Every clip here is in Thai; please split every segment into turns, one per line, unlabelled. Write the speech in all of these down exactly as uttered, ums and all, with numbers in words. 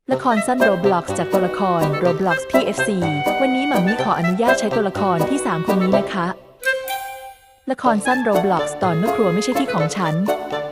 ละครสั้น Roblox จากตัวละคร Roblox พี เอฟ ซี วันนี้หมามีขออนุญาตใช้ตัวละครที่สามคนนี้นะคะ ละครสั้น Roblox ตอนเมื่อครัวไม่ใช่ที่ของฉัน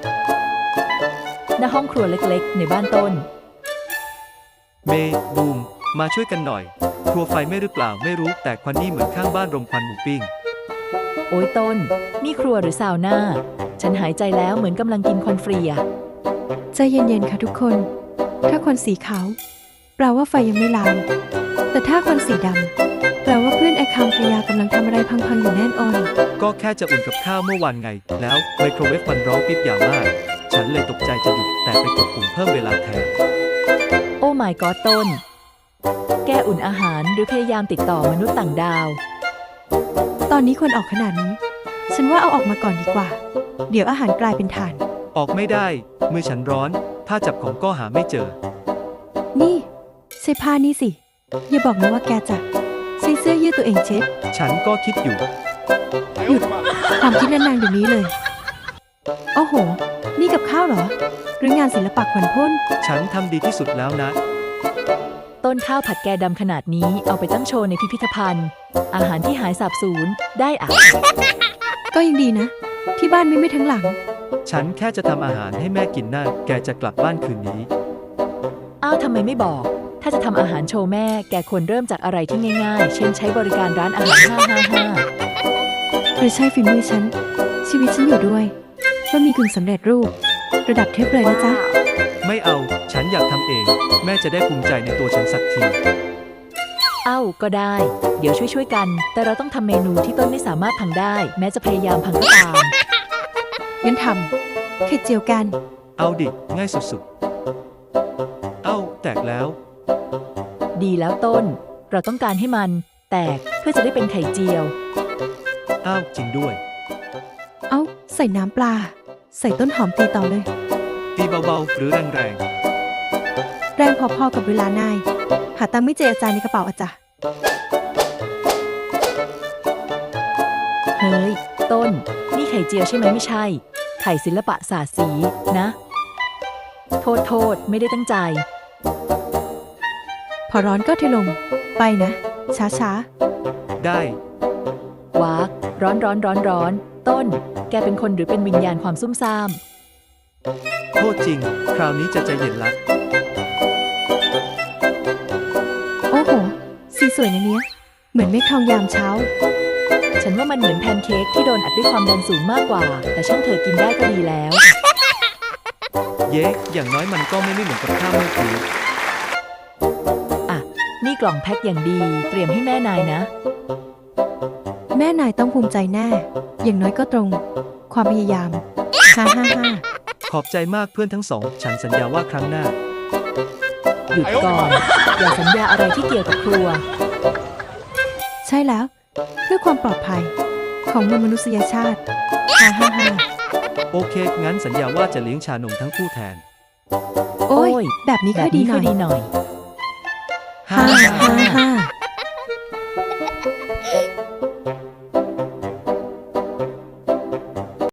ณ ห้องครัวเล็กๆ ในบ้านต้น
เมย์บูมมาช่วยกันหน่อย ครัวไฟไหม้หรือเปล่าไม่รู้แต่ควันนี่เหมือนข้างบ้านรมควันหมูปิ้ง
โอ้ยต้น นี่ครัวหรือซาวน่า ฉันหายใจแล้วเหมือนกำลังกินควันฟรีอะ
ใจเย็นๆ ค่ะทุกคน ถ้าควันสีขาวแปลว่าไฟยังไม่ลาม แต่ถ้าควันสีดำแปลว่าเพื่อนแอคคามพยากำลังทำอะไรพังๆ อยู่แน่นอน
ก็แค่จะอุ่นกับข้าวเมื่อวานไง แล้วไมโครเวฟมันร้องปิ๊บยาวมาก ฉันเลยตกใจจะหยุดแต่ไปกดปุ่มเพิ่มเวลาแทน
โอ้ my god ต้น แกอุ่นอาหารหรือพยายามติดต่อมนุษย์ต่างดาว
ตอนนี้ควรออกขนาดนี้ ฉันว่าเอาออกมาก่อนดีกว่า เดี๋ยวอาหารกลายเป็นถ่าน
ออกไม่ได้ มือฉันร้อน ถ้าจับของก็หาไม่เจอ
นี่ใช่ผ้านี่สิ อย่าบอกนะว่าแกจะใช้เสื้อยืดตัวเองเช็ด
ฉันก็คิดอยู่
หยุดความคิดนานๆเดี๋ยวนี้เลย โอ้โห นี่กับข้าวเหรอ หรืองานศิลปะขวัญพ่น
ฉันทำดีที่สุดแล้วนะ
ต้นข้าวผัดแกดำขนาดนี้เอาไปตั้งโชว์ในพิพิธภัณฑ์ อาหารที่หายสาบสูญได้อะ
ก็ยังดีนะ ที่บ้านไม่ไม่ทั้งหลัง
ฉันแค่จะทำอาหารให้แม่กินน่าแกจะกลับบ้านคืนนี้
อ้าวทำไมไม่บอก ถ้าจะทำอาหารโชว์แม่แกควรเริ่มจากอะไรที่ง่ายๆ เช่นใช้บริการร้านอาหาร ห้า ห้า ห้า
หรือใช่ฝีมือฉัน ชีวิตฉันอยู่ด้วยว่ามีกึ่งสำเร็จรูป ระดับเทพเลยนะจ๊ะ
ไม่เอา ฉันอยากทำเอง แม่จะได้ภูมิใจในตัวฉันสักที
เอ้าก็ได้ เดี๋ยวช่วยๆกัน แต่เราต้องทำเมนูที่ต้นไม่สามารถพังได้ แม้จะพยายามพังก็ตาม
งั้นทำไข่เจียวกัน
เอาดิ ง่ายสุดๆ เอ้า แตกแล้ว
ดีแล้วต้น เราต้องการให้มันแตกเพื่อจะได้เป็นไข่เจียว
อ้าว จริงด้วย
เอ้า ใส่น้ำปลา ใส่ต้นหอมตีต่อเลย
ตีเบาๆ หรือแรง
แรงพอๆกับเวลานาย หาตังค์ไม่เจออาจารย์ในกระเป๋าอาจารย์
เฮ้ย ต้น นี่ไข่เจียวใช่ไหมไม่ใช่ ไข่ศิลปะศาสตร์สีนะ โทษโทษไม่ได้ตั้งใจ
พอร้อนก็เทลง ไปนะ ช้า
ๆ ได้
วากร้อนร้อนร้อนร้อน ต้น แกเป็นคนหรือเป็นวิญญาณความซุ่มซ่าม
โทษจริง คราวนี้จะใจเย็นละ
ๆ โอ้โห สีสวยนะเนี้ย เหมือนเมฆทองยามเช้า
ฉันว่ามันเหมือนแพนเค้กที่โดนอัดด้วยความดันสูงมากกว่า แต่ช่างเธอกินได้ก็ดีแล้ว
เย้ อย่างน้อยมันก็ไม่ไม่เหมือนกับข้าวเมื่อกี้
อ่ะ นี่กล่องแพ็คอย่างดี เตรียมให้แม่นายนะ
แม่นายต้องภูมิใจแน่ อย่างน้อยก็ตรง ความพยายาม ฮ่าฮ่าฮ่า
ขอบใจมากเพื่อนทั้งสอง ฉันสัญญาว่าครั้งหน้า
หยุดก่อน อย่าสัญญาอะไรที่เกี่ยวกับครัว
ใช่แล้ว เพื่อความปลอดภัย ของมวลมนุษยชาติ ฮ่าฮ่าฮ่า
โอเค งั้นสัญญาว่าจะเลี้ยงชานมทั้งคู่แทน
โอ้
โอ้
ย
ย
แบบนี้
แบ
ค่อบ ยดี
นี้
หน่
ค่
อ
อย ยดีหน่อย
ฮ่าฮ่า